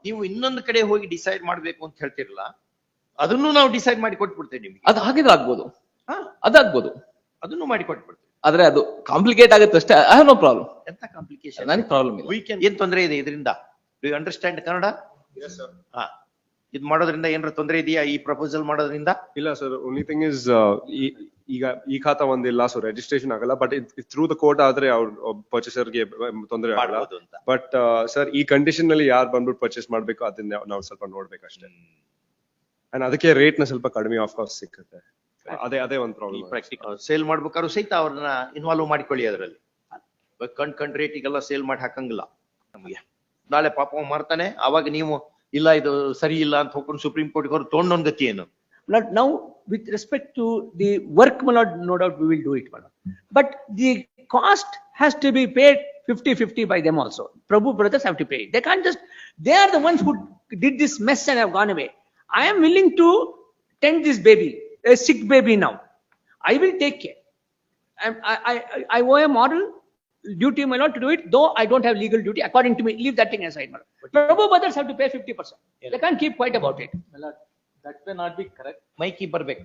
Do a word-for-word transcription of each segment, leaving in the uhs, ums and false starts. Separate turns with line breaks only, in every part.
ನೀವು ಇನ್ನೊಂದು ಕಡೆ ಹೋಗಿ ಡಿಸೈಡ್ ಮಾಡ್ಬೇಕು ಅಂತ ಹೇಳ್ತಿರಲ್ಲ, ಅದನ್ನು ನಾವು ಡಿಸೈಡ್ ಮಾಡಿ ಕೊಟ್ಬಿಡ್ತೇವೆ ನಿಮ್ಗೆ.
ಅದು ಹಾಗಿದ್ರೆ ಆಗ್ಬೋದು, ಅದಾಗ್ಬೋದು,
ಅದನ್ನು ಮಾಡಿ ಕೊಟ್ಬಿಡ್ತೇವೆ.
ಆದ್ರೆ ಅದು ಕಾಂಪ್ಲಿಕೇಟ್ ಆಗುತ್ತೆ ಅಷ್ಟೇ. I have no problem.
ಎಂತ ಕಾಂಪ್ಲಿಕೇಶನ್?
ನನಗೆ ಪ್ರಾಬ್ಲಮ್ ಇಲ್ಲ.
We can. ಏನ್ ತೊಂದರೆ ಇದೆ ಇದರಿಂದ? Do you understand Kannada?
Yes, sir.
ಹಾ, ಇದು ಮಾಡೋದ್ರಿಂದ ಏನಾರ ತೊಂದರೆ ಇದೆಯಾ ಈ ಪ್ರಪೋಸಲ್ ಮಾಡೋದ್ರಿಂದ?
ಇಲ್ಲ ಸರ್, ಓನ್ಲಿ ಥಿಂಗ್ ಇಸ್ ಈಗ ಈ ಖಾತಾ ಒಂದಿಲ್ಲ, ಸೊ ರಿಜಿಸ್ಟ್ರೇಷನ್ ಆಗಲ್ಲ. ಬಟ್ ಥ್ರೂ ದ ಕೋರ್ಟ್ ಆದ್ರೆ ಅವ್ರ ಪರ್ಚೇಸರ್ ಗೆ ತೊಂದರೆ ಆಗಲ್ಲ.
ಮಾಡ್ಬೋದು ಅಂತ.
ಬಟ್ ಸರ್, ಈ ಕಂಡೀಷನ್ ನಲ್ಲಿ ಯಾರು ಬಂದ್ಬಿಟ್ಟು ಪರ್ಚೇಸ್ ಮಾಡ್ಬೇಕು ಅದನ್ನ ನಾವು ಸ್ವಲ್ಪ ನೋಡ್ಬೇಕಷ್ಟೇ. ಅಂಡ್ ಅದಕ್ಕೆ ರೇಟ್ ನ ಸ್ವಲ್ಪ ಕಡಿಮೆ ಆಫ್ ಕೋರ್ಸ್ ಸಿಕ್ಕುತ್ತೆ. ಅದೇ ಅದೇ ಒಂದು ಪ್ರಾಬ್ಲಮ್.
ಪ್ರಾಕ್ಟಿಕಲ್ ಸೇಲ್ ಮಾಡ್ಬೇಕಾದ್ರು ಸಹಿತ ಅವ್ರನ್ನ ಇನ್ವಾಲ್ವ್ ಮಾಡಿಕೊಳ್ಳಿ ಅದರಲ್ಲಿ. ಕಂಡ್ ಕಂಡ್ ರೇಟಿಗೆಲ್ಲ ಸೇಲ್ ಮಾಡಿ ಹಾಕಂಗಿಲ್ಲ ನಮಗೆ. ನಾಳೆ ಪಾಪ ಅವ ಮಾಡ್ತಾನೆ, ಅವಾಗ ನೀವು ಇಲ್ಲ ಇದು ಸರಿ ಇಲ್ಲ ಅಂತ ಹೋಗ್ಕೊಂಡು ಸುಪ್ರೀಂ ಕೋರ್ಟ್ ಅವ್ರು ತೊಗೊಂಡೊಂದ್ ಗತಿ ಏನು?
Now, with respect to the work, my lord, no doubt we will do it, my lord. But the cost has to be paid fifty fifty by them also. Prabhu brothers have to pay it. They can't just, they are the ones who did this mess and have gone away. I am willing to tend this baby, a sick baby now. I will take care. I, I, I, I owe a moral duty, my lord, to do it, though I don't have legal duty. According to me, leave that thing aside, my lord. Prabhu brothers have to pay fifty percent. They can't keep quiet about it.
My lord, that may not be correct.
ಮೈಕಿ ಬರ್ಬೇಕು,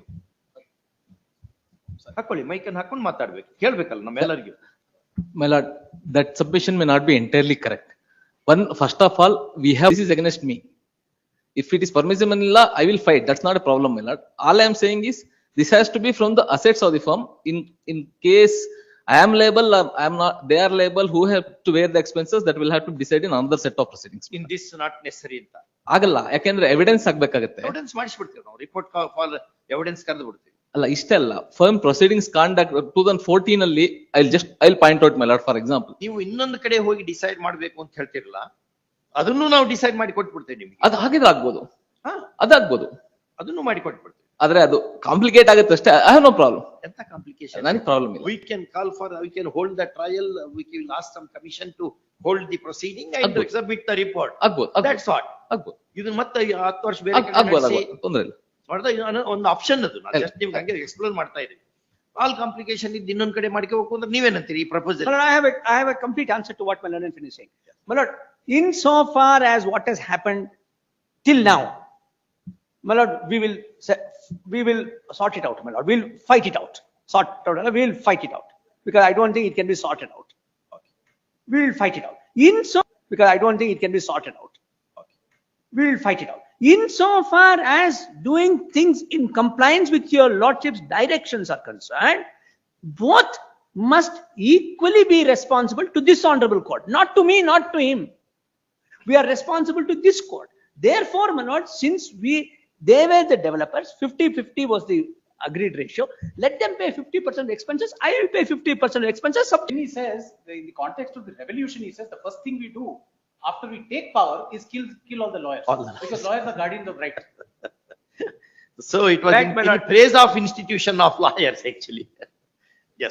ಹಾಕೊಳ್ಳಿ ಮೈಕನ್ನು ಹಾಕೊಂಡು ಮಾತಾಡ್ಬೇಕು, ಕೇಳ್ಬೇಕಲ್ಲ ನಮ್ಮೆಲ್ಲರಿಗೂ.
My lord, that submission may not be entirely correct. One, first of all, we have, this is against me. If it is permissible in law, I will fight. That's not a problem, my lord. All I am saying is, this has to be from the assets of the firm. In, in case I am liable, I am not, they are liable, who have to bear the expenses, that will have to decide in another set of proceedings.
In this not necessary ಅಂತ
ಆಗಲ್ಲ, ಯಾಕೆಂದ್ರೆ evidence ಆಗ್ಬೇಕಾಗತ್ತೆ.
Evidence ಮಾಡಿಸ್ಬಿಡ್ತೀವಿ ನಾವು, report for evidence ಕರೆದು ಬಿಡ್ತೀವಿ.
ಅಲ್ಲ ಇಷ್ಟೇ ಅಲ್ಲ, firm proceedings conduct two thousand fourteen ಅಲ್ಲಿ I just I point out my lord, for example.
ನೀವು ಇನ್ನೊಂದು ಕಡೆ ಹೋಗಿ ಡಿಸೈಡ್ ಮಾಡ್ಬೇಕು ಅಂತ ಹೇಳ್ತಿರಲ್ಲ, ಅದನ್ನು ನಾವು ಡಿಸೈಡ್ ಮಾಡಿ ಕೊಟ್ಬಿಡ್ತೇವೆ ನಿಮ್ಗೆ.
ಅದು ಹಾಗಿದ್ರೆ ಆಗ್ಬೋದು, ಅದಾಗ್ಬೋದು, ಅದನ್ನು
ಮಾಡಿ ಕೊಟ್ಬಿಡ್ತೇವೆ.
ಆದ್ರೆ ಅದು ಕಾಂಪ್ಲಿಕೇಟ್ ಆಗುತ್ತೆ ಅಷ್ಟೇ. I have no problem.
ಎಂತ ಕಾಂಪ್ಲಿಕೇಶನ್?
ನನಗೆ ಪ್ರಾಬ್ಲಮ್ ಇಲ್ಲ.
We can call for, we can hold the trial, we will ask some commission to hold the proceeding and submit the report.
ಆಗ್ಬೋದು,
that's what.
ಆಗ್ಬೋದು.
ಇದನ್ನ ಮತ್ತೆ ಹತ್ತು ವರ್ಷ ಬೇರೆ
ಆಗ್ಬೋದು, ಆಗ್ಬೋದು, ತೊಂದ್ರೆ ಇಲ್ಲ.
ಮಾಡಿದ ಒಂದು ಆಪ್ಷನ್ ಅದು. ನಾನು ಜಸ್ಟ್ ನಿಮ್ಗೆ ಹಂಗೆ ಎಕ್ಸ್ಪ್ಲೇನ್ ಮಾಡ್ತಾ ಇದ್ದೀನಿ. ಆಲ್ ಕಾಂಪ್ಲಿಕೇಶನ್ ಇದ್ದು ಇನ್ನೊಂದ್ ಕಡೆ ಮಾಡ್ಕೋಬೇಕು ಅಂದ್ರೆ ನೀವೇನಂತೀರಿ ಈ proposal?
I have a, I have a complete answer to what my lord is finishing. My lord, in so far as what has happened till now, my lord, we will we will sort it out, my lord. We'll fight it out. Sort it out. We'll fight it out. Because I don't think it can be sorted out. Okay. We will fight it out. In so, because I don't think it can be sorted out. Okay. We will fight it out. In so far as doing things in compliance with your lordship's directions are concerned, both must equally be responsible to this honorable court. Not to me, not to him. We are responsible to this court. Therefore, my lord, since we, they were the developers, fifty fifty was the agreed ratio. Let them pay fifty percent expenses. I will pay fifty percent expenses.
When he says, in the context of the revolution, he says the first thing we do after we take power is kill kill all the lawyers.
All the
because lawyers are guardians of right.
So it was
Right,
in,
my
in
lord.
praise of institution of lawyers actually. Yes.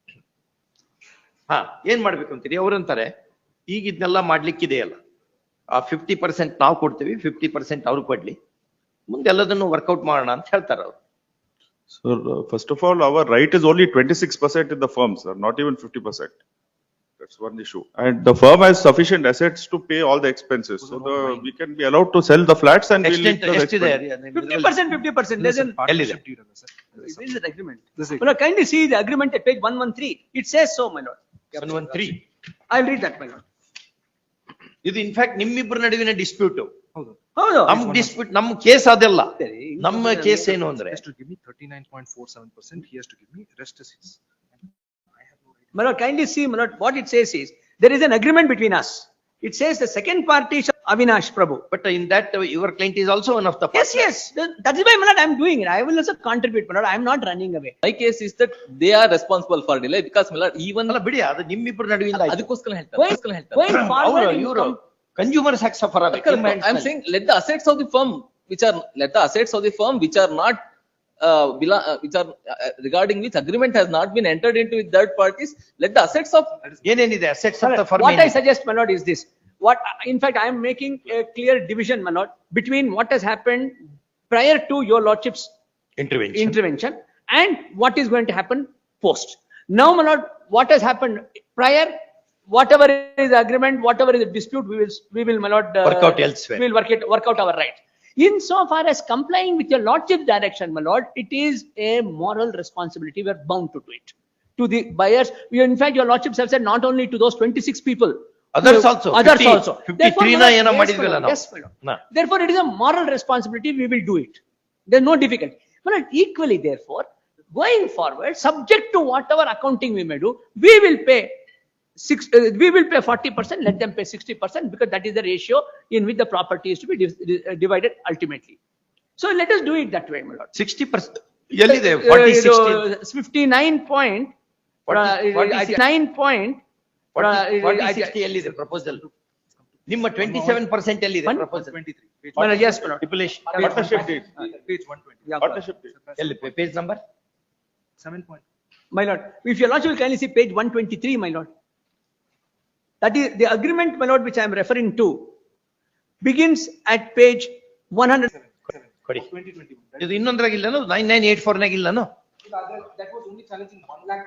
ಹಾ, ಏನ್ ಮಾಡ್ಬೇಕು ಅಂತೀರಿ? ಅವ್ರಂತಾರೆ ಈಗ ಇದನ್ನೆಲ್ಲ ಮಾಡ್ಲಿಕ್ಕಿದೆಯಲ್ಲ, ಆ fifty percent ನಾವು ಕೊಡ್ತೀವಿ, fifty percent ಅವ್ರು ಕೊಡ್ಲಿ, ಮುಂದೆ ಎಲ್ಲದನ್ನು ವರ್ಕೌಟ್ ಮಾಡೋಣ ಅಂತ ಹೇಳ್ತಾರ ಅವ್ರು.
Sir, uh, first of all, our right is only twenty-six percent in the firm, sir, not even fifty percent. That's one issue. And the firm has sufficient assets to pay all the expenses. So the, we can be allowed to sell the flats and we'll leave the
ಎಷ್ಟಿದೆ?
expense.
fifty percent, fifty percent. There's an,
ಎಲ್ಲಿದೆ?
this is the agreement. My lord, kindly see the agreement at page one thirteen. It says so, my lord.
One one three.
I'll read that, my lord.
ಇದು in fact ನಿಮ್ಮಿಬ್ಬರ ನಡುವಿನ dispute.
ಹೌದು.
ನಮ್ dispute, ನಮ್ case ಅದೆಲ್ಲ. ನಮ್ಮ case ಏನು ಅಂದ್ರೆ,
to give me thirty-nine point four seven percent, he has to give me, rest is his.
My lord, kindly see, my lord, what it says is, there is an agreement between us. It says the second party shall Avinash Prabhu.
but in that uh, your client is also one of the
Yes,
partners.
yes. That is why, my lord, I am doing it. I will also contribute, my lord. I am not running away.
My case is that they are responsible for delay because my lord, even
ಅಲ್ಲ ಬಿಡಿ, ಅದು ನಿಮ್ಮಿಬ್ಬರ ನಡುವಿನ ಆಯ್ತು.
ಅದಕ್ಕೋಸ್ಕರ ಹೇಳ್ತಾರೆ,
Going,
ಅದಕ್ಕೋಸ್ಕರ ಹೇಳ್ತಾರೆ.
going forward,
ಅವರು
in
ಇವರು
com-
consumer tax suffer
I am saying, let the assets of the firm, which are, let the assets of the firm which are not, uh, bela- uh, which are uh, regarding which agreement has not been entered into with third parties, let the assets of,
ಏನೇನಿದೆ assets of the firm.
what I suggest, my lord, is this. What, in fact, I am making a clear division, my lord, between what has happened prior to your lordship's
intervention.
intervention and what is going to happen post. Now, my lord, what has happened prior, whatever is the agreement, whatever is the dispute, we will, we will, my lord. uh,
Work out elsewhere.
We will work it, work out our rights. Insofar as complying with your lordship's direction, my lord, it is a moral responsibility. We are bound to do it. To the buyers, we, in fact, your lordships have said not only to those twenty-six people.
Others
to-
also,
Others
fifty
also. Therefore,
fifty-three
my
na
lord,
ಏನೋ
yes,
ಮಾಡಿದ್ವಲ್ಲ
my lord,
ನಾವು.
yes, my lord.
ನಾ.
Therefore, it is a moral responsibility. We will do it. There's no difficulty. But equally, therefore, going forward, subject to whatever accounting we may do, we will pay six, uh, we will pay forty percent, let them pay sixty percent, because that is the ratio in which the property is to be div- di- uh, divided ultimately. So let us do it that way, my lord.
Sixty percent ಎಲ್ಲಿದೆ forty
Uh,
sixty
ಇದು fifty-nine point,
Forty-
uh,
forty
uh,
six-
nine point. uh,
forty
I-
sixty ಎಲ್ಲಿದೆ proposal? ನಿಮ್ಮ twenty seven percent ಎಲ್ಲಿದೆ
One-
proposal?
Twenty-three. Page
My lord, yes, my lord.
Stipulation.
Partnership deed.
Uh, Page one twenty.
Yeah,
Partnership deed.
ಎಲ್ಲಿ page number?
Seven point.
My lord, if your lordship will kindly see page one twenty-three, my lord. That is the agreement, my lord, which I am referring to, begins at page one hundred.
ಕೊಡಿ.
Twenty twenty-one. That
ಇದು ಇನ್ನೊಂದ್ರಾಗಿಲ್ಲನು nine nine eight four ನಾಗಿಲ್ಲನು?
That was only challenging one lakh.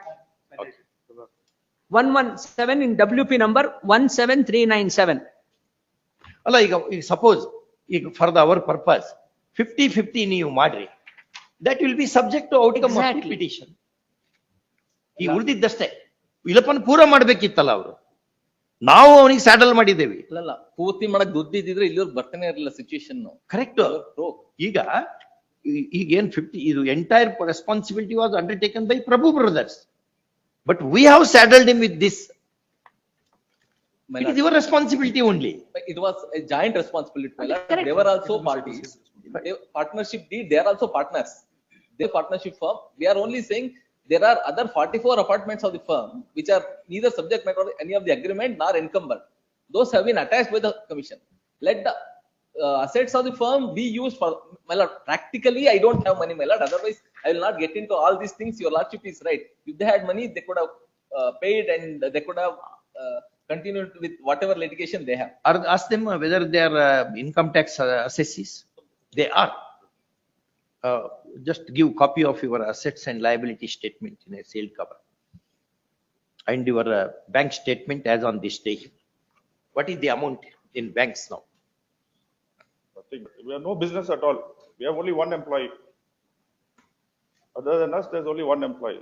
one seventeen in W P number one seven three nine seven.
ಅಲ್ಲ ಈಗ ಈಗ suppose ಈಗ for the our purpose fifty fifty ನೀವು ಮಾಡ್ರಿ, that will be subject to outcome of
Exactly.
Petition. ಈಗ ಉಳಿದಿದ್ದಷ್ಟೇ ಇಲ್ಲಪ್ಪನ ಪೂರ ಮಾಡ್ಬೇಕಿತ್ತಲ್ಲ ಅವರು. ನಾವು ಅವನಿಗೆ ಸ್ಯಾಡಲ್ ಮಾಡಿದ್ದೇವೆ.
ಅಲ್ಲಲ್ಲ ಪೂರ್ತಿ ಮಾಡಕ್ ದುಡ್ಡಿದ್ರೆ ಇಲ್ಲಿವ್ರು ಬರ್ತಾನೆ ಇರಲಿಲ್ಲ ಸಿಚುಯೇಷನ್.
ಕರೆಕ್ಟ್. ಈಗ ಈ- ಈಗ ಏನ್ ಫಿಫ್ಟಿ ಇದು entire responsibility was undertaken by Prabhu brothers, but we have saddled him with this.
My
it
lord,
is your responsibility only.
it was a joint responsibility. my lord.
Correct.
They were also parties. They partnership deed, they are also partners. They partnership firm. We are only saying there are other forty-four apartments of the firm which are neither subject matter of any of the agreement nor encumbered. Those have been attached by the commission. Let the uh, assets of the firm be used for, my lord, practically I don't have money, my lord. Otherwise, I will not get into all these things. Your lordship is right. If they had money, they could have uh, paid and they could have uh, continued with whatever litigation they have.
Are ask them whether they are uh, income tax uh, assessees. They are. Uh, just give copy of your assets and liability statement in a sealed cover, and your uh, bank statement as on this day. What is the amount in banks now?
Nothing. We have no business at all. We have only one employee. Other than us, there's only one employee.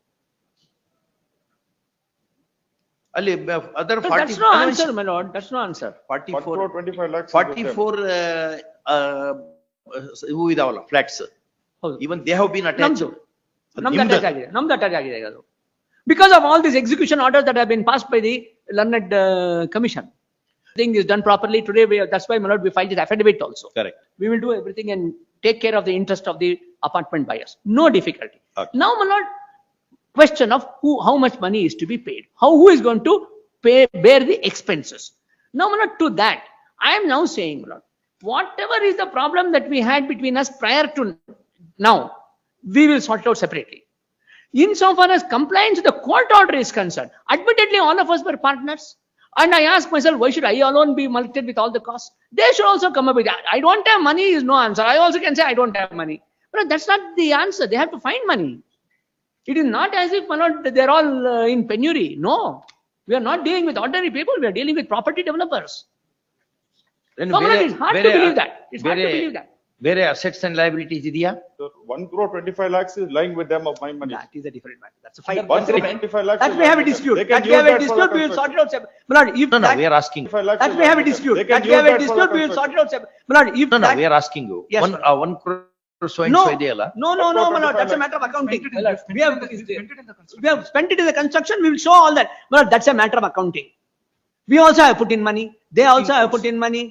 Ali, uh, other
So
forty.
that's no answer, my lord. That's no answer.
One crore
Forty-four.
twenty-five lakhs. is with them.
Forty-four. Uh, uh, who ಇದಾವಲ್ಲ flats.
ಹೌದು.
Even they have been attached.
ನಮ್ದು ನಮ್ದು
ನಿಮ್ದು.
Attach ಆಗಿದೆ, ನಮ್ದು attach ಆಗಿದೆ ಈಗ ಅದು. Because of all these execution orders that have been passed by the learned uh, commission. Thing is done properly today. We, that's why, my lord, we filed this affidavit also.
Correct.
We will do everything and take care of the interest of the apartment buyers. No difficulty.
Okay.
Now, my lord, question of who, how much money is to be paid? How, who is going to pay, bear the expenses? Now, my lord, to that, I am now saying, my lord, whatever is the problem that we had between us prior to now, we will sort it out separately. Insofar as compliance with the court order is concerned, admittedly, all of us were partners. And I ask myself, why should I alone be mulcted with all the costs? They should also come up with that. I don't have money is no answer. I also can say I don't have money. But that's not the answer. They have to find money. It is not as if, my lord, they're all uh, in penury. No. We are not dealing with ordinary people. We are dealing with property developers.
Then
No, my lord,
ಬೇರೆ-
it's hard to
ಬೇರೆ-
believe that. It's hard to
ಬೇರೆ-
believe that.
ಬೇರೆ assets and liabilities ಇದೆಯಾ?
So one crore twenty-five lakhs is lying with them of my money.
That is a different matter. That's a fight.
One crore
agreement.
twenty-five lakhs.
That
is
we have a
lying with them.
dispute.
They can
That we
use
have a
that for
dispute. We will
construction.
sort it out separately. My lord, if
No, no,
that,
we are asking.
twenty-five lakhs
that
is
we have a
lying with them.
dispute.
They can
That we
use
have a
that for
dispute. We will
construction.
sort it out separately. My lord, if
No, no,
that.
we are asking you.
Yes,
One,
sir.
uh, one crore so and
No,
so ಇದೆಯಲ್ಲ?
no, no, no, my lord,
twenty-five
that's a
lakhs.
matter of accounting.
Spent it in
My lord,
the-
We have,
spent it in the construction.
we have spent it in the construction, we will show all that. My lord, that's a matter of accounting. We also have put in money, they also have put in money.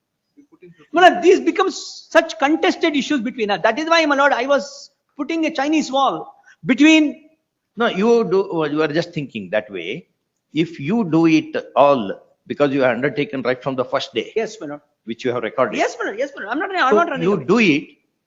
My lord, these become such contested issues between us. That is why, my lord, I was putting a Chinese wall between.
No, you do, you are just thinking that way. If you do it all because you have undertaken right from the first day,
Yes, my lord.
which you have recorded.
Yes, my lord, yes, my lord. I'm not, I'm
So
not running
you
away.
do it,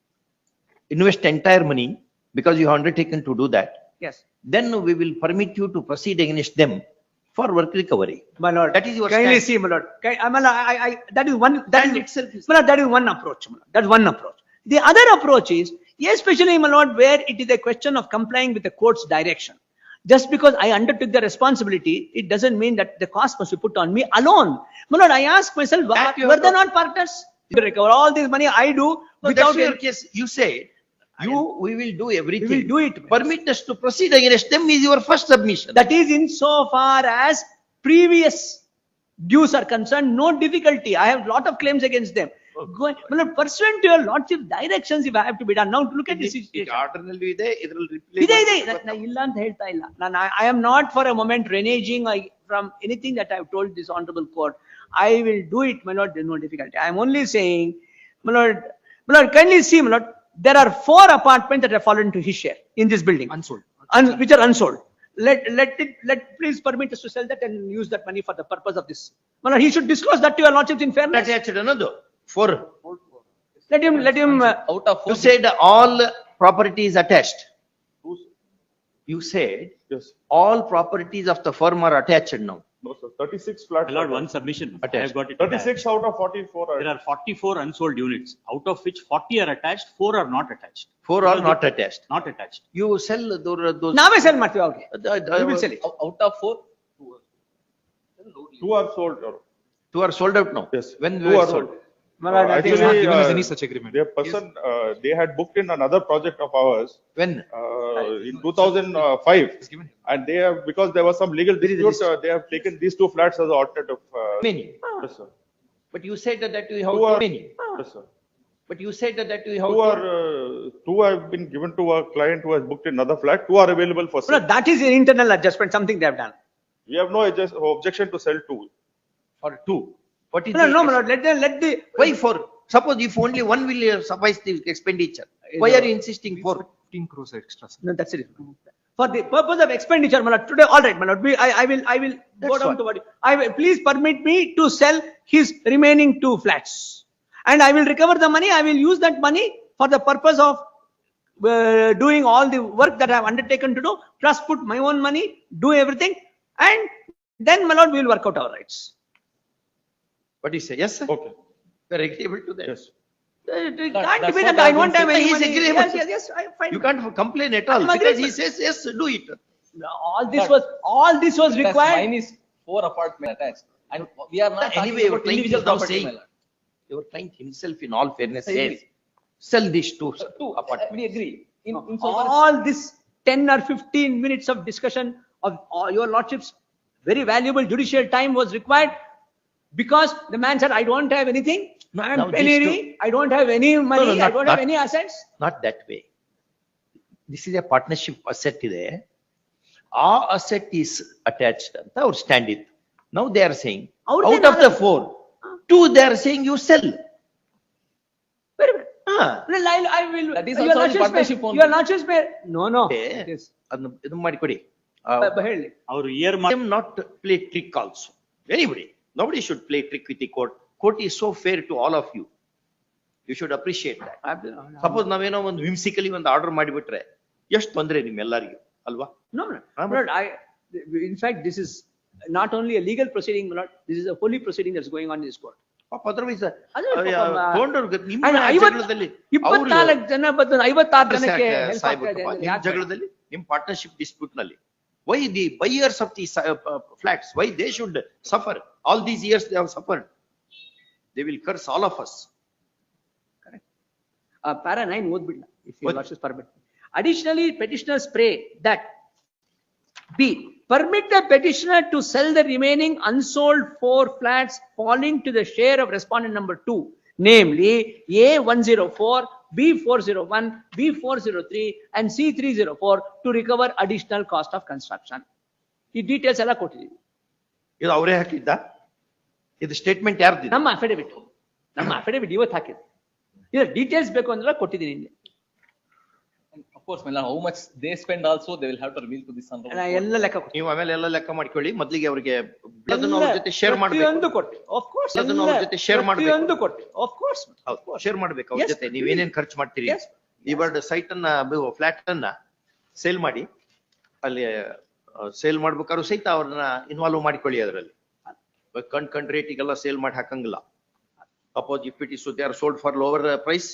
invest entire money because you have undertaken to do that.
Yes.
Then we will permit you to proceed against them for work recovery.
My lord.
That is your
Kindly
stand.
see, my lord. Ki- I, my lord, I, I, that is one, that
Stand
is,
itself is-
my lord, that is one approach, my lord. That's one approach. The other approach is, especially, my lord, where it is a question of complying with the court's direction. Just because I undertook the responsibility, it doesn't mean that the cost must be put on me alone. My lord, I ask myself, were
That you
were
have
they
to-
not partners? You recover all this money I do
No, that's
without
your
any-
case. You said, you, we will do everything.
We will do it.
Permit us to proceed against them is your first submission.
That is insofar as previous dues are concerned, no difficulty. I have lot of claims against them. Go, my lord, pursuant to your lordship directions, if I have to be done. Now look at this situation.
Order ನಲ್ಲಿ ಇದೆ, ಇದ್ರಲ್ಲಿ
ಇದೆ ಇದೆ ನ- ನ- ಇಲ್ಲ ಅಂತ ಹೇಳ್ತಾ ಇಲ್ಲ ನಾನು I am not for a moment reneging I- from anything that I have told this honorable court. I will do it, my lord, there's no difficulty. I am only saying, my lord, my lord, kindly see, my lord, there are four apartments that have fallen to his share in this building.
Unsold.
Un- which are unsold. Let, let it, let, please permit us to sell that and use that money for the purpose of this. My lord, he should disclose that to your lordships in fairness.
attached ಅನ್ನೋದು four.
Let him, let him, uh,
Out of four.
You said all properties attached. You said
Yes.
all properties of the firm are attached now.
No, sir, thirty-six flats.
My lord,
are
one submission. I
Attached.
have got it.
Thirty-six out of forty-four are.
There are forty-four unsold units, out of which forty are attached, four are not attached.
Four are not attached.
Not attached.
You sell those, those.
ನಾವೇ sell ಮಾಡ್ತೀವಿ ಅವ್ರಿಗೆ.
the- the-
We will sell it.
Out out of four.
Two are sold. or-
Two are sold out now.
Yes.
When
Two
we were
are
sold.
sold.
My lord, I
Uh,
think-
He has not
Actually,
given us
uh,
any such agreement.
Their person, uh, they had booked in another project of ours,
When?
uh, in two thousand five.
given.
And they have, because there was some legal
There is a
dispute,
list.
uh, they have taken these two flats as alternative. uh,
Many.
Yes, sir.
But you said that that we have
Two are,
many.
yes, sir.
But you said that that we have.
Two are, uh, two have been given to a client who has booked another flat, two are available for
No,
sale.
that is an internal adjustment, something they have done.
We have no adjust- objection to sell two.
For two. What is
No,
the?
no, my lord, let them, let the.
Why four? Suppose if only one will uh, suffice the expenditure. Why are you insisting four?
Fifteen crores extra. sir.
No, that's it. For the purpose of expenditure, my lord, today, all right, my lord, we, I, I will, I will go
That's
down
what-
to what, I will, please permit me to sell his remaining two flats. And I will recover the money, I will use that money for the purpose of uh, doing all the work that I have undertaken to do, plus put my own money, do everything, and then, my lord, we will work out our rights.
What do you say? Yes, sir?
Okay,
We are agreeable to that.
yes.
Uh, It
That-
can't
that's
be
what
that
I
I
have
won't
been
have
saying.
any
He's
money.
agreeable.
Yes, yes, yes, I find.
You can't complain at all
I'm
because
agreed,
he says, yes, do it.
All this was, all this was
Because
required.
Mine is four apartment attached and we are not talking
Anyway, your
about
client
individual
is now
property,
saying,
my lord.
your client himself in all fairness
I
says,
agree.
sell these two
So, Two,
apartments.
we agree. In, in so far as-
All this ten or fifteen minutes of discussion of all your lordships, very valuable judicial time was required because the man said, I don't have anything, I
Now
am
these
penury, I don't have any money, I
not-
don't have
not-
any assets.
Not that way. This is a partnership asset ಇದೆ. ಆ asset is attached ಅಂತ ಅವ್ರು stand ಇತ್ತು. Now they are saying,
ಅವ್ರ್ದೇ
out of the four, two they are saying you sell.
Very well.
ಹಾ.
Well, I, I will.
That is
your
also
lordships may-
partnership only.
Your lordships may, no, no. Yes.
ಅದನ್ನ ಇದು ಮಾಡಿಕೊಡಿ.
ಬ- ಬ- ಹೇಳಿ.
Our year
Them not play trick also. Anybody, nobody should play trick with the court. Court is so fair to all of you. You should appreciate that. Suppose ನಾವೇನೋ ಒಂದು whimsically ಒಂದು order ಮಾಡಿಬಿಟ್ರೆ ಎಷ್ಟು ತೊಂದ್ರೆ ನಿಮ್ಮೆಲ್ಲರಿಗೂ ಅಲ್ವಾ?
No, no,
Ah,
no, I, in fact, this is not only a legal proceeding, my lord, this is a holy proceeding that's going on in this court.
ಪಾಪ otherwise,
ಅದೇ
ಆ,
ಪಾಪ, ಆ,
ತಗೊಂಡವ್ರಿಗೆ ನಿಮ್ಮ
And ಐವತ್-
ಜಗಳದಲ್ಲಿ
ಇಪ್ಪತ್ನಾಲ್ಕು ಜನ ಬಂದು ಐವತ್ತಾರು ಜನಕ್ಕೆ
ಅವ್ರು
help ಆಗ್ತಾ ಇದೆ
ಸಾಯ್ಬಿಟ್ರಪ್ಪ.
ಅಂದ್ರೆ
ನಿಮ್
ಯಾಕೆ?
ಜಗಳದಲ್ಲಿ ನಿಮ್ ಪಾರ್ಟ್ನರ್ಶಿಪ್ ಡಿಸ್ಪ್ಯೂಟ್ ನಲ್ಲಿ why the buyers of the flats why they should suffer all these years they have suffered they will curse all of us.
Uh, para nine ಓದ್ಬಿಡ್ಲ, if your
ಓದಿ.
lordships permit. Additionally, petitioners pray that B, permit the petitioner to sell the remaining unsold four flats falling to the share of respondent number two, namely A one oh four, B four oh one, B four oh three and C three oh four to recover additional cost of construction. ಈ details ಎಲ್ಲ ಕೊಟ್ಟಿದ್ದೀವಿ.
ಇದು ಅವರೇ ಹಾಕಿದ್ದ? ಇದು statement ಯಾರ್ದಿದೆ?
ನಮ್ಮ affidavit, ನಮ್ಮ affidavit ಇವತ್ತು ಹಾಕಿದ್ದು. ಇದು ಡೀಟೇಲ್ಸ್ ಬೇಕು ಅಂದ್ರೆ ಕೊಟ್ಟಿದ್ದೀನಿ ಇಲ್ಲಿ.
And of course, my lord, how much they spend also, they will have to reveal to this honorable
ನಾ
court.
ಎಲ್ಲ ಲೆಕ್ಕ ಕೊಡ್ತೀನಿ.
ನೀವು ಆಮೇಲೆ ಎಲ್ಲ ಲೆಕ್ಕ ಮಾಡ್ಕೊಳ್ಳಿ. ಮೊದ್ಲಿಗೆ ಅವ್ರಿಗೆ ಅದನ್ನ ಅವ್ರ ಜೊತೆ ಶೇರ್
ಪ್ರತಿಯೊಂದು
ಮಾಡ್ಬೇಕು.
ಕೊಡ್ತೀವಿ. Of course.
ಅದನ್ನ ಅವ್ರ ಜೊತೆ share ಮಾಡ್ಬೇಕು.
ಪ್ರತಿಯೊಂದು ಕೊಡ್ತೀವಿ. Of course.
ಹೌದು, ಶೇರ್ ಮಾಡ್ಬೇಕು ಅವ್ರ
Yes.
ಜೊತೆ ನೀವೇನೇನ್ ಖರ್ಚು ಮಾಡ್ತೀರಿ.
Yes.
ಇವರ್ಡ್ ಸೈಟ್ ಅನ್ನ ಫ್ಲಾಟ್ ಅನ್ನ ಸೇಲ್ ಮಾಡಿ ಅಲ್ಲಿ ಸೇಲ್ ಮಾಡ್ಬೇಕಾದ್ರು ಸಹಿತ ಅವ್ರನ್ನ ಇನ್ವಾಲ್ವ್ ಮಾಡಿಕೊಳ್ಳಿ ಅದರಲ್ಲಿ. ಕಣ್ ಕಣ್ ರೇಟಿಗೆಲ್ಲ ಸೇಲ್ ಮಾಡಿ ಹಾಕಂಗಿಲ್ಲ. Suppose if it is they are sold for lower price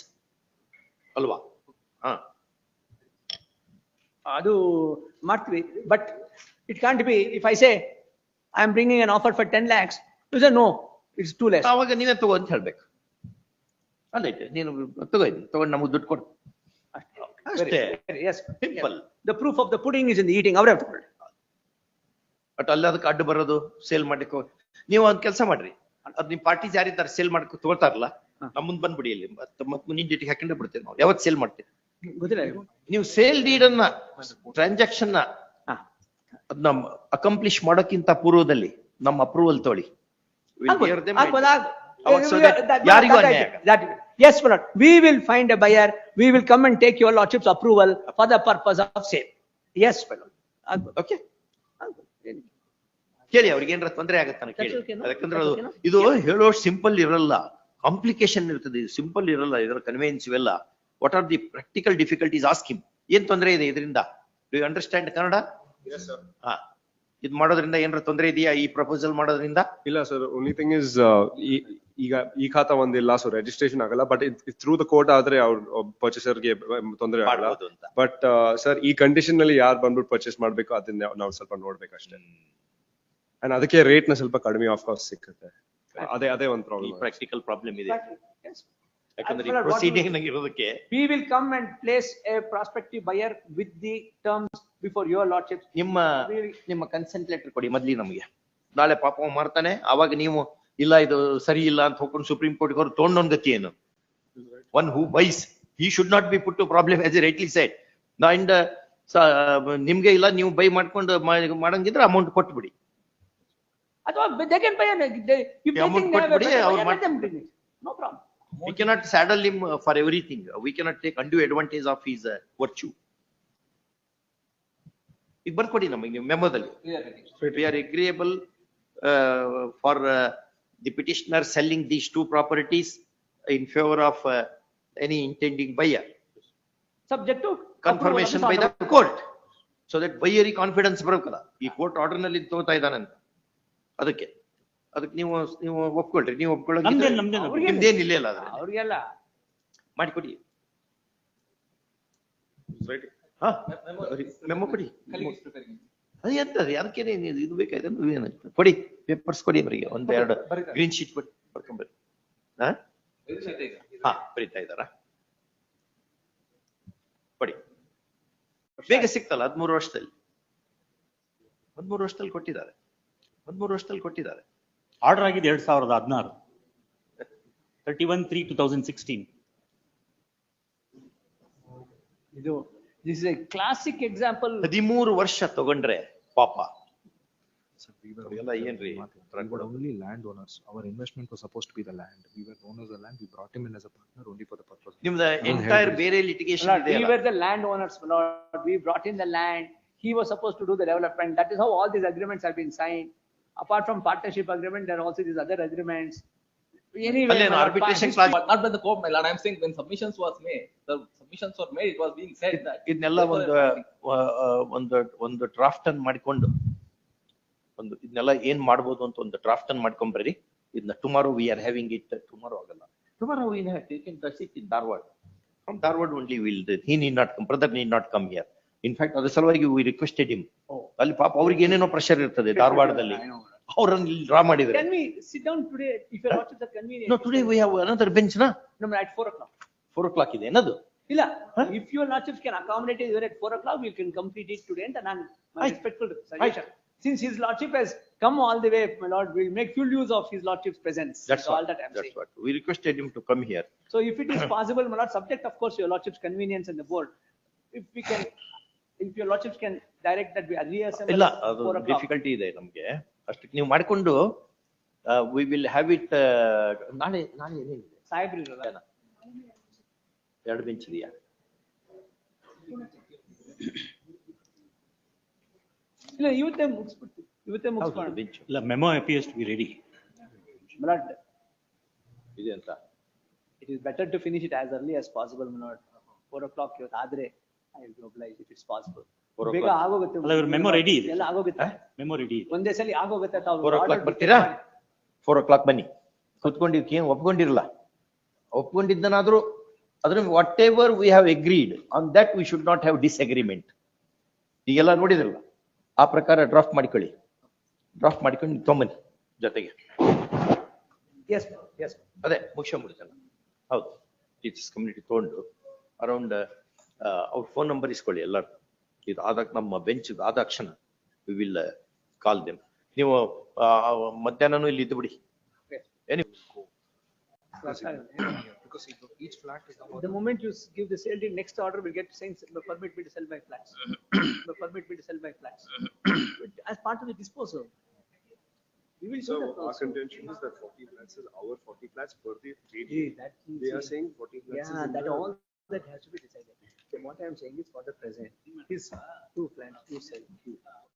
ಅಲ್ವಾ? ಹಾ.
ಅದು ಮಾಡ್ತೀವಿ. But It can't be, if I say, I am bringing an offer for ten lakhs, you say, no, it's too less.
ಅವಾಗ ನೀವೇ ತಗೋ ಅಂತ ಹೇಳ್ಬೇಕು. ಅಲ್ಲೈತೆ ನೀನು ತಗೋ ಇದು ತಗೊಂಡು ನಮಗೆ ದುಡ್ಡು ಕೊಡು. ಅಷ್ಟೇ.
Yes.
Simple.
The proof of the pudding is in the eating, ಅವ್ರೇ ತಗೊಳ್ಳಿ.
ಬಟ್ ಅಲ್ಲಿ ಅದಕ್ಕೆ ಅಡ್ಡು ಬರೋದು ಸೇಲ್ ಮಾಡ್ಲಿಕ್ಕೆ ಹೋಗ್- ನೀವು ಒಂದ್ ಕೆಲಸ ಮಾಡ್ರಿ, ಅದ್ ನಿಮ್ ಪಾರ್ಟೀಸ್ ಯಾರಿದ್ದಾರೆ ಸೇಲ್ ಮಾಡ್ಕೊ ತಗೊಳ್ತಾರಲ್ಲ, ನಮ್ಮ ಮುಂದ್ ಬಂದ್ಬಿಡಿ ಇಲ್ಲಿ ಮತ್ತ್ ಮತ್ ಮುಂದಿನ ಡೇಟಿಗೆ ಹಾಕೊಂಡೇ ಬಿಡ್ತೇವೆ ನಾವು. ಯಾವತ್ ಸೇಲ್ ಮಾಡ್ತೀವಿ
ಗೊತ್ತಿಲ್ಲ.
ನೀವು ಸೇಲ್ ಡೀಡ್ ಅನ್ನ ಟ್ರಾನ್ಸಾಕ್ಷನ್ ನ
ಹಾ.
ಅದನ್ನ ಅಕಂಪ್ಲಿಷ್ ಮಾಡೋಕ್ಕಿಂತ ಪೂರ್ವದಲ್ಲಿ ನಮ್ಮ ಅಪ್ರೂವಲ್ ತೊಳಿ.
ಆಗ್ಬೋದು, ಆಗ್ಬೋದು, ಆಗ್ಬೋದು.
ಅವಾಗ so that
That-
ಯಾರಿಗೂ
that-
ಅನ್ಯಾಯ
that- that- Yes, my lord, we will find a buyer, we will come and take your lordship's approval for the purpose of sale. Yes, my lord. ಆಗ್ಬೋದು.
Okay,
ಆಗ್ಬೋದು. ಏನಿಲ್ಲ.
ಕೇಳಿ ಅವ್ರಿಗೆ ಏನಾರ ತೊಂದರೆ ಆಗತ್ತಾನ ಕೇಳಿ.
That's okay, no?
ಯಾಕಂದ್ರೆ
That's
ಅದು
okay, no?
ಇದು ಹೇಳೋ ಸಿಂಪಲ್ ಇರಲ್ಲ, ಕಾಂಪ್ಲಿಕೇಶನ್ ಇರ್ತದೆ, ಸಿಂಪಲ್ ಇರಲ್ಲ. ಇದರ ಕನ್ವೆನ್ಸ್ ಇವೆಲ್ಲ what are the practical difficulties ask him. ಏನ್ ತೊಂದರೆ ಇದೆ ಇದರಿಂದ? Do you understand Kannada? ಹಾ, ಇದ್ ಮಾಡೋದ್ರಿಂದ ಏನಾರ ತೊಂದರೆ ಇದೆಯಾ ಈ ಪ್ರಪೋಸಲ್ ಮಾಡೋದ್ರಿಂದ?
ಇಲ್ಲ ಸರ್, ಓನ್ಲಿ ಥಿಂಗ್ ಇಸ್ ಈಗ ಈ ಖಾತಾ ಒಂದಿಲ್ಲ, ಸೊ ರಿಜಿಸ್ಟ್ರೇಷನ್ ಆಗಲ್ಲ. ಬಟ್ ಥ್ರೂ ದ ಕೋರ್ಟ್ ಆದ್ರೆ ಅವ್ರ ಪರ್ಚೇಸರ್ಗೆ ತೊಂದರೆ ಆಗಲ್ಲ.
ಮಾಡ್ಬೋದು ಅಂತ.
ಬಟ್ ಸರ್, ಈ ಕಂಡೀಷನ್ ನಲ್ಲಿ ಯಾರು ಬಂದ್ಬಿಟ್ಟು ಪರ್ಚೇಸ್ ಮಾಡ್ಬೇಕು ಅದನ್ನ ನಾವು ಸ್ವಲ್ಪ ನೋಡ್ಬೇಕಷ್ಟೇ. ಅಂಡ್ ಅದಕ್ಕೆ ರೇಟ್ ನ ಸ್ವಲ್ಪ ಕಡಿಮೆ ಆಫ್ ಕೋರ್ಸ್ ಸಿಕ್ಕುತ್ತೆ. ಅದೇ ಅದೇ ಒಂದು ಪ್ರಾಬ್ಲಮ್.
ಪ್ರಾಕ್ಟಿಕಲ್ ಪ್ರಾಬ್ಲಮ್ ಇದೆ.
Yes.
ಯಾಕಂದ್ರೆ
As well as what
proceeding
we-
ನಾಗ ಇರೋದಕ್ಕೆ
We will come and place a prospective buyer with the terms before your lordship.
ನಿಮ್ಮ ನಿಮ್ಮ ಕನ್ಸೆಂಟ್ ಲೆಟರ್ ಕೊಡಿ ಮೊದ್ಲಿ ನಮಗೆ. ನಾಳೆ ಪಾಪ ಅವ ಮಾಡ್ತಾನೆ, ಅವಾಗ ನೀವು ಇಲ್ಲ ಇದು ಸರಿ ಇಲ್ಲ ಅಂತ ಹೋಗ್ಕೊಂಡು ಸುಪ್ರೀಂ ಕೋರ್ಟ್ ಅವ್ರು ತೊಗೊಂಡೋನ್ ಗತಿ ಏನು? One who buys he should not be put to problem as a rightly said. And ನಿಮ್ಗೆ ಇಲ್ಲ, ನೀವು ಬೈ ಮಾಡ್ಕೊಂಡು ಮಾ- ಮಾಡಂಗಿದ್ರೆ ಅಮೌಂಟ್ ಕೊಟ್ಬಿಡಿ.
ಅಥವಾ they can buy, and they, if they
Amount
think they have a
ಕೊಟ್ಬಿಡಿ,
better
ಅವ್ರು
buyer, let
ಮಾಡ್-
them bring it. No problem.
We cannot saddle him uh, for everything. We cannot take undue advantage of his uh, virtue. ಈಗ ಬರ್ಕೊಡಿ ನಮಗೆ ನೀವು ಮೆಮೊದಲ್ಲಿ. We are agreeable uh, for uh, the petitioner selling these two properties in favor of uh, any intending buyer.
Subject to.
Confirmation by
approval of
the court. So that buyer confidence ಬರೋಕಲ್ಲ, ಈ court order ನಲ್ಲಿ ತಗೋತಾ ಇದ್ದಾನಂತ. ಅದಕ್ಕೆ ಅದಕ್ಕೆ ನೀವು ನೀವು ಒಪ್ಕೊಳ್ರಿ. ನೀವು ಒಪ್ಕೊಳ್ಳೋಕೆ
ನಮ್ದೇನ್ ನಮ್ದೇನ್
ಅವ್ರಿಗೆ-
ನಿಮ್ದೇನ್ ಇಲ್ಲ ಅಲ್ಲ ಅದ್ರಲ್ಲಿ.
ಅವ್ರಿಗೆಲ್ಲ
ಮಾಡಿಕೊಡಿ. ಹಾ, ಮೆಮೊ ಕೊಡಿ. ಅದು ಎಂತದೆ ಅದಕ್ಕೇನೆ ಇದು ಬೇಕಾಯ್ತು ಏನು ಕೊಡಿ, ಪೇಪರ್ಸ್ ಕೊಡಿ ಅವರಿಗೆ ಒಂದ್ ಎರಡು ಗ್ರೀನ್ ಶೀಟ್ ಕೊಡಿ, ಬರ್ಕೊಂಡ್ಬರ್ರಿ. ಹಾ ಹಾ ಬರೀತಾ ಇದ್ದಾರಾ? ಕೊಡಿ, ಬೇಗ ಸಿಕ್ತಲ್ಲ. ಹದ್ಮೂರು ವರ್ಷದಲ್ಲಿ ಹದ್ಮೂರು ವರ್ಷದಲ್ಲಿ ಕೊಟ್ಟಿದ್ದಾರೆ ಹದ್ಮೂರು ವರ್ಷದಲ್ಲಿ ಕೊಟ್ಟಿದ್ದಾರೆ.
ಆರ್ಡರ್ ಆಗಿದೆ ಎರಡ್ ಸಾವಿರದ ಹದಿನಾರು, thirty one three two thousand sixteen.
ಇದು this is a classic example.
ಹದಿಮೂರು ವರ್ಷ ತಗೊಂಡ್ರೆ ಪಾಪ.
Sir, we were
ಅವ್ರಿಗೆಲ್ಲ ಏನ್ರಿ
we were only landowners. Our investment was supposed to be the land. We were owners of the land. We brought him in as a partner only for the purpose.
ನಿಮ್ದ entire ಬೇರೆ litigation
Lord,
ಇದೆ
we
ಅಲ್ಲ?
were the landowners, my lord. We brought in the land. He was supposed to do the development. That is how all these agreements have been signed. Apart from partnership agreement, there are also these other agreements. Anyway,
ಅಲ್ಲೇನು
my lord,
arbitration
fine.
clause-
But not by the court, my lord. I'm saying when submissions was made, the submissions were made, it was being said that.
ಇದನ್ನೆಲ್ಲ ಒಂದು ಆ, ಆ, ಒಂದು ಒಂದು draft ಅನ್ನು ಮಾಡಿಕೊಂಡು ಒಂದು ಇದನ್ನೆಲ್ಲ ಏನ್ ಮಾಡ್ಬೋದು ಅಂತ ಒಂದು ಡ್ರಾಫ್ಟ್ ಅನ್ನು ಮಾಡ್ಕೊಂಡ್ಬರ್ರಿ. ಇದನ್ನ tomorrow we are having it. Tomorrow ಆಗಲ್ಲ, tomorrow we can touch it in Dharwad. From Dharwad only will he need not come, brother need not come here. In fact ಅದ್ರ ಸಲುವಾಗಿ ವಿ ರಿಕ್ವೆಸ್ಟೆಡ್ ಹಿಮ್. ಅಲ್ಲಿ ಪಾಪ ಅವ್ರಿಗೆ ಏನೇನೋ ಪ್ರೆಷರ್ ಇರ್ತದೆ ಧಾರವಾಡದಲ್ಲಿ, ಅವ್ರನ್ನ ಇಲ್ಲಿ ಡ್ರಾ ಮಾಡಿದ್ರೆ.
Can we sit down today if your lordships are convenient?
No today we have another bench ನಾ
No, no, at four o'clock.
Four o'clock ಇದೆ ಏನದು?
Illa, if your lordships can accommodate it even at four o'clock, we can complete it today, and I'm my
Aye.
respectful suggestion. Since his lordship has come all the way, my lord, we'll make full use of his lordship's presence.
That's
all
what,
that I'm
that's
saying.
what. We requested him to come here.
So if it is possible, my lord, subject of course your lordship's convenience and the board, if we can, if your lordships can direct that we reassemble
ಇಲ್ಲ,
at
ಅದು
four o'clock.
Difficulty ಇದೆ ನಮ್ಗೆ. ಅಷ್ಟಕ್ಕೆ ನೀವು ಮಾಡ್ಕೊಂಡು we will have it. ನಾಳೆ ನಾಳೆ ಏನೇನಿದೆ?
ಸಾಹೇಬ್ರು ಇರಲ್ಲ.
ಎರಡು ಬೆಂಚ್ ಇದೆಯಾ?
ಇಲ್ಲ, ಇವತ್ತೇ ಮುಗಿಸ್ಬಿಡ್ತೀವಿ, ಇವತ್ತೇ ಮುಗಿಸ್ಕೊಂಡು.
ಬೆಂಚ್
ಇಲ್ಲ, memo appears to be ready.
My lord,
ಇದೆ ಅಂತ.
it is better to finish it as early as possible, my lord. Four o'clock ಇವತ್ತು ಆದ್ರೆ I will be obliged if it's possible.
Four
ಬೇಗ
o'clock.
ಆಗೋಗುತ್ತೆ.
ಅಲ್ಲ, ಇವ್ರ memo ready ಇದೆ.
ಎಲ್ಲ ಆಗೋಗುತ್ತೆ.
ಮೆಮೊ ರೆಡಿ ಇದೆ.
ಒಂದೇ ಸಲ ಆಗೋಗುತ್ತೆ. ತಾವು
four o
order
clock
dictate
ಬರ್ತೀರಾ?
ಮಾಡಿ.
ಫೋರ್ ಓ ಕ್ಲಾಕ್ ಬನ್ನಿ. ಕುತ್ಕೊಂಡಿದ್ದಕ್ಕೆ ಏನು ಒಪ್ಕೊಂಡಿರಲ್ಲ. ಒಪ್ಕೊಂಡಿದ್ದನಾದ್ರೂ ಅದ್ರ whatever we have agreed on that we should not have disagreement. ಈಗೆಲ್ಲ ನೋಡಿದ್ರಲ್ಲ, ಆ ಪ್ರಕಾರ ಡ್ರಾಫ್ಟ್ ಮಾಡ್ಕೊಳ್ಳಿ. ಡ್ರಾಫ್ಟ್ ಮಾಡ್ಕೊಂಡು ತೊಂಬನ್ನಿ ಜೊತೆಗೆ.
Yes, yes.
ಅದೇ ಮುಗಿಸ್ಕೊಂಡ್ಬಿಡ್ತೇನೆ. ಹೌದು, ಟೀಚರ್ಸ್ ಕಮ್ಯುನಿಟಿ ತಗೊಂಡು ಅರೌಂಡ್ ಅವ್ರ ಫೋನ್ ನಂಬರ್ ಇಸ್ಕೊಳ್ಳಿ ಎಲ್ಲರೂ. ಇದು ಆದಾಗ ನಮ್ಮ ಬೆಂಚ್ ಆದ ತಕ್ಷಣ ವಿ ವಿಲ್ ಕಾಲ್ ದೆಮ್. ನೀವು ಆ, ಮಧ್ಯಾಹ್ನನೂ ಇಲ್ಲಿ ಇದ್ದು ಬಿಡಿ. ಏನಿ
Because each flat is now.
The moment you s- give the sale deed, next order will get saying, permit me to sell my flats. Permit me to sell my flats. As part of the disposal. We will
So
do that
our
also.
contention is that forty flats is our forty flats per the J D.
Yeah, that is-
They are saying forty flats is
Yeah,
in
that
the-
all that has to be decided. So what I am saying is for the present, is two flats, two sell, two.